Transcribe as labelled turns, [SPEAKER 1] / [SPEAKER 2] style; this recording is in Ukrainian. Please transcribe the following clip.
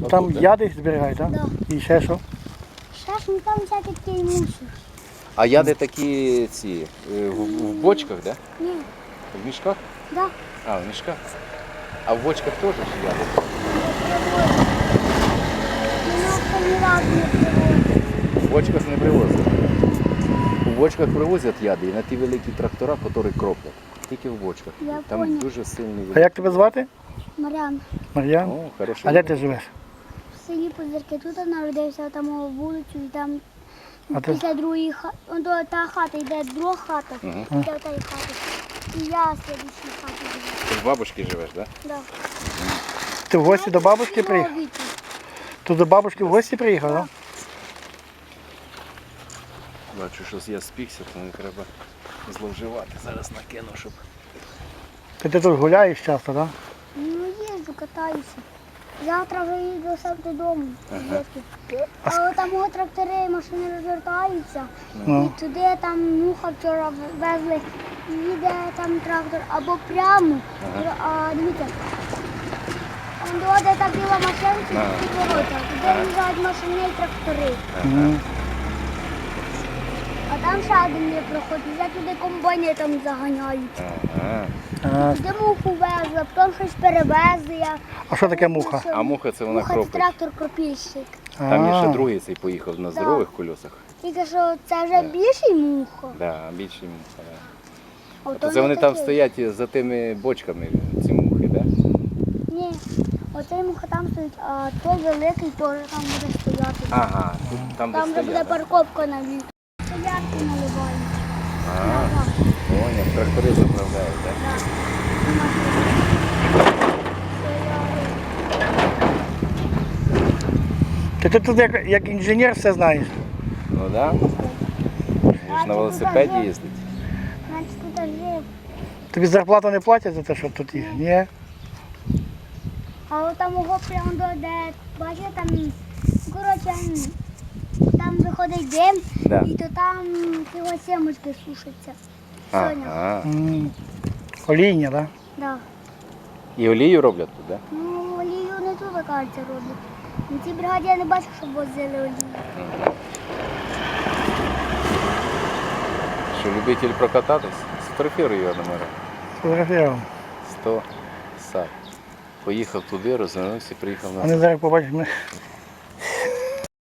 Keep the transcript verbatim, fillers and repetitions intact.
[SPEAKER 1] Ну,
[SPEAKER 2] там
[SPEAKER 1] тут, да?
[SPEAKER 2] яди зберігають, так?
[SPEAKER 3] Да.
[SPEAKER 2] І ще що?
[SPEAKER 3] Ще ж ну, там всякий такий мусор.
[SPEAKER 1] А яди такі ці е, в, в бочках, да?
[SPEAKER 3] Ні,
[SPEAKER 1] В мішках?
[SPEAKER 3] да.
[SPEAKER 1] А, в мішках. А в бочках теж ж яди?
[SPEAKER 3] Мене це ні разу не привозить.
[SPEAKER 1] В бочках не привозять. У бочках привозять яди і на ті великі трактора, які кроплять. Тільки в бочках.
[SPEAKER 3] Я
[SPEAKER 1] Там
[SPEAKER 3] понял.
[SPEAKER 1] дуже сильний
[SPEAKER 2] А як тебе звати?
[SPEAKER 3] Мар'ян,
[SPEAKER 2] Мар'ян?
[SPEAKER 1] О, хорошо.
[SPEAKER 2] А де ти живеш?
[SPEAKER 3] в селі Позирки тут народився, там у вулицю, і там
[SPEAKER 2] А ти?
[SPEAKER 3] після другої хати, та хата йде друга хата,
[SPEAKER 1] Мгм.
[SPEAKER 3] після тієї хати. І я в слідчій хаті живу.
[SPEAKER 1] Ти в бабушки живеш, так? Да?
[SPEAKER 3] Да.
[SPEAKER 2] Ти в гості до бабушки приїхав?
[SPEAKER 3] Чоловіки.
[SPEAKER 2] Ти до бабушки в гості приїхав, так?
[SPEAKER 1] Бачу, що я спікся, то не треба зловживати. Зараз накину, щоб...
[SPEAKER 2] Ти, ти тут гуляєш часто, так?
[SPEAKER 3] Ну, їжджу, катаюся. Завтра вже їду сам додому.
[SPEAKER 1] Ага.
[SPEAKER 3] А от там от трактори і машини розвертаються.
[SPEAKER 2] Ну.
[SPEAKER 3] І туди там муха вчора везли, їде там трактор або прямо. А дивіться, он до де та біла машинка,
[SPEAKER 1] Ага.
[SPEAKER 3] і ворота. Туди їжджають машини і трактори.
[SPEAKER 2] Мгм.
[SPEAKER 3] А там ще один є проход, вже туди комбайни там заганяють.
[SPEAKER 1] Ага.
[SPEAKER 2] А,
[SPEAKER 3] Туди муху везли, потім щось перевезли. Я...
[SPEAKER 2] а що таке муха?
[SPEAKER 1] А муха це вона
[SPEAKER 3] Муха це
[SPEAKER 1] кропить.
[SPEAKER 3] трактор-кропільщик.
[SPEAKER 1] Там є ще
[SPEAKER 2] А.
[SPEAKER 1] другий цей поїхав на здорових колесах.
[SPEAKER 3] Тільки що це вже більший муха.
[SPEAKER 1] Да, більші муха. Да.
[SPEAKER 3] А
[SPEAKER 1] То це вони
[SPEAKER 3] не
[SPEAKER 1] там
[SPEAKER 3] такий.
[SPEAKER 1] стоять за тими бочками, ці мухи, так? Да?
[SPEAKER 3] Ні, оцей муха там стоїть, а той великий теж там буде стояти.
[SPEAKER 1] Ага, тут, там де
[SPEAKER 3] Там вже буде
[SPEAKER 1] стоять. да?
[SPEAKER 3] парковка на літо. Стоянки наливають.
[SPEAKER 1] Ага, поняв, трактори заправляють, так? Да?
[SPEAKER 2] Ти, ти тут як, як інженер все знаєш.
[SPEAKER 1] Ну так. Да. Він ж на велосипеді їздить.
[SPEAKER 3] Значить, тут жив.
[SPEAKER 2] Тобі зарплату не платять за те, що тут є? Ні?
[SPEAKER 3] А от там його прямо до де, бачите, там, коротше, там виходить дим,
[SPEAKER 1] Да.
[SPEAKER 3] і то там його сімочки сушаться. Соня.
[SPEAKER 1] Ага.
[SPEAKER 2] М. Олійня, так?
[SPEAKER 3] Да.
[SPEAKER 1] І олію роблять тут, так? Да?
[SPEAKER 3] Ну, олію не тут, кажеться, роблять. На цій бригаді я не бачу, щоб возили олію.
[SPEAKER 1] Що, любитель прокататись? Сфотографіруй його номера.
[SPEAKER 2] Фотографував.
[SPEAKER 1] сто сад. Поїхав туди, розвернувся, приїхав
[SPEAKER 2] А
[SPEAKER 1] назад.
[SPEAKER 2] не зараз побачиш, ми